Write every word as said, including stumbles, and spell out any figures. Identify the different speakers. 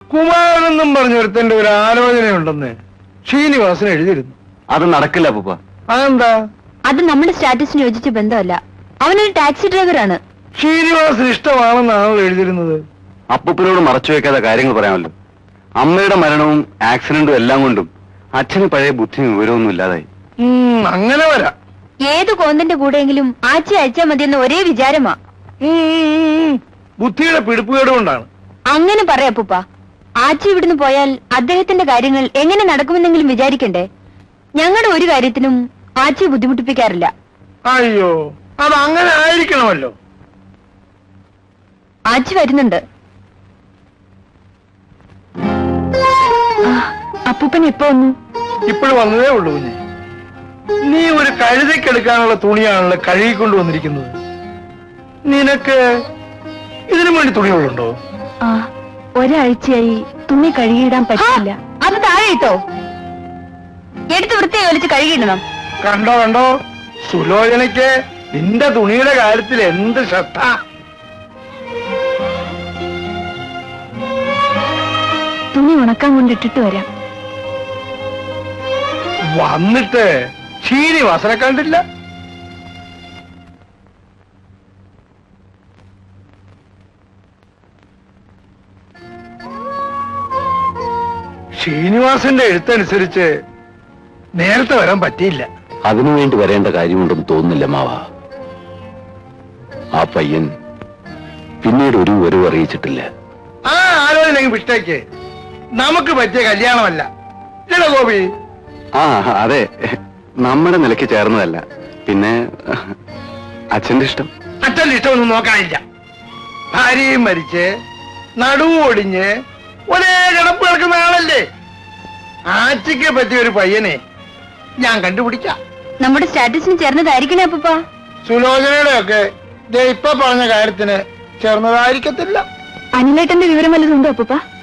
Speaker 1: കുമാരനെന്നും പറഞ്ഞൊരുത്തന്റെ ഒരു ആലോചനയുണ്ടെന്ന് ശ്രീനിവാസൻ എഴുതിയിരുന്നു.
Speaker 2: അത് നടക്കില്ല അപ്പൂപ്പ.
Speaker 1: അതെന്താ?
Speaker 3: അത് നമ്മുടെ സ്റ്റാറ്റസിന് യോജിച്ച ബന്ധമല്ല. അവനൊരു ടാക്സി ഡ്രൈവറാണ്.
Speaker 1: ശ്രീനിവാസൻ ഇഷ്ടമാണെന്നാണല്ലോ എഴുതിയിരുന്നത്.
Speaker 2: അപ്പൂപ്പനോട് മറച്ചു വെക്കാതെ കാര്യങ്ങൾ പറയാമല്ലോ. അമ്മയുടെ മരണവും ആക്സിഡന്റും എല്ലാം കൊണ്ടും അച്ഛന് പഴയ ബുദ്ധിയും വിവരമൊന്നും ഇല്ലാതായി.
Speaker 1: അങ്ങനെ വരാം.
Speaker 3: ഏത് കോന്തന്റെ കൂടെയെങ്കിലും ആച്ചി അയച്ചാൽ മതിയെന്ന ഒരേ വിചാരമാ.
Speaker 1: ബുദ്ധിയുടെ പിടിപ്പുകേട് കൊണ്ടാണ്.
Speaker 3: അങ്ങനെ പറയാ അപ്പൂപ്പ. ആച്ചി ഇവിടുന്ന് പോയാൽ അദ്ദേഹത്തിന്റെ കാര്യങ്ങൾ എങ്ങനെ നടക്കുമെന്നെങ്കിലും വിചാരിക്കണ്ടേ? ഞങ്ങളുടെ ഒരു കാര്യത്തിനും ആച്ചിയെ ബുദ്ധിമുട്ടിപ്പിക്കാറില്ല.
Speaker 1: അയ്യോ, അത് അങ്ങനെ ആയിരിക്കണമല്ലോ.
Speaker 3: ആച്ചി വരുന്നുണ്ട്. അപ്പൂപ്പൻ എപ്പോ വന്നു?
Speaker 1: ഇപ്പോഴും വന്നതേ ഉള്ളൂ കുഞ്ഞെ. നീ ഒരു കഴുതയ്ക്കെടുക്കാനുള്ള തുണിയാണല്ലോ കഴുകിക്കൊണ്ട് വന്നിരിക്കുന്നത്. നിനക്ക് ഇതിനു വേണ്ടി തുണികളുണ്ടോ?
Speaker 3: ആ, ഒരാഴ്ചയായി തുണി കഴുകിയിടാൻ പറ്റില്ല. അത് താഴെ ഇട്ടോ, എടുത്ത് വൃത്തിയായി വലിച്ച് കഴുകിയിടണം.
Speaker 1: കണ്ടോ കണ്ടോ, സുലോചനയ്ക്ക് നിന്റെ തുണിയുടെ കാര്യത്തിൽ എന്ത് ശ്രദ്ധ.
Speaker 3: തുണി ഉണക്കാൻ കൊണ്ടിട്ടിട്ട് വരാം.
Speaker 1: വന്നിട്ട് ശ്രീനിവാസനെ കണ്ടില്ല. ശ്രീനിവാസന്റെ എഴുത്തനുസരിച്ച് നേരത്തെ വരാൻ പറ്റിയില്ല.
Speaker 2: അതിനുവേണ്ടി വരേണ്ട കാര്യമുണ്ടെന്ന് തോന്നുന്നില്ല മാവ. ആ പയ്യൻ പിന്നീട് ഒരു വിവരവും അറിയിച്ചിട്ടില്ല.
Speaker 1: ആ ആലോചന വിട്ടേക്ക്. നമുക്ക് പറ്റിയ കല്യാണമല്ല ഇല്ല ഗോപി.
Speaker 2: ആ അതെ, നമ്മുടെ നിലയ്ക്ക് ചേർന്നതല്ല. പിന്നെ അച്ഛന്റെ ഇഷ്ടം.
Speaker 1: അച്ഛന്റെ ഇഷ്ടമൊന്നും നോക്കാനില്ല. ഭാര്യയും മരിച്ച് നടുവും ഒടിഞ്ഞ് ഒരേ കിടപ്പ് കിടക്കുന്ന ആളല്ലേ. ആച്ചിക്ക് പറ്റിയ ഒരു പയ്യനെ ഞാൻ കണ്ടുപിടിക്കാം.
Speaker 3: നമ്മുടെ സ്റ്റാറ്റസിന് ചേർന്നതായിരിക്കണേ അപ്പൂപ്പ.
Speaker 1: സുലോചനയുടെ ഒക്കെ ഇപ്പൊ പറഞ്ഞ കാര്യത്തിന് ചേർന്നതായിരിക്കത്തില്ല.
Speaker 3: അനിലേട്ടന്റെ വിവരം വല്ലതുണ്ടോ അപ്പൂപ്പ?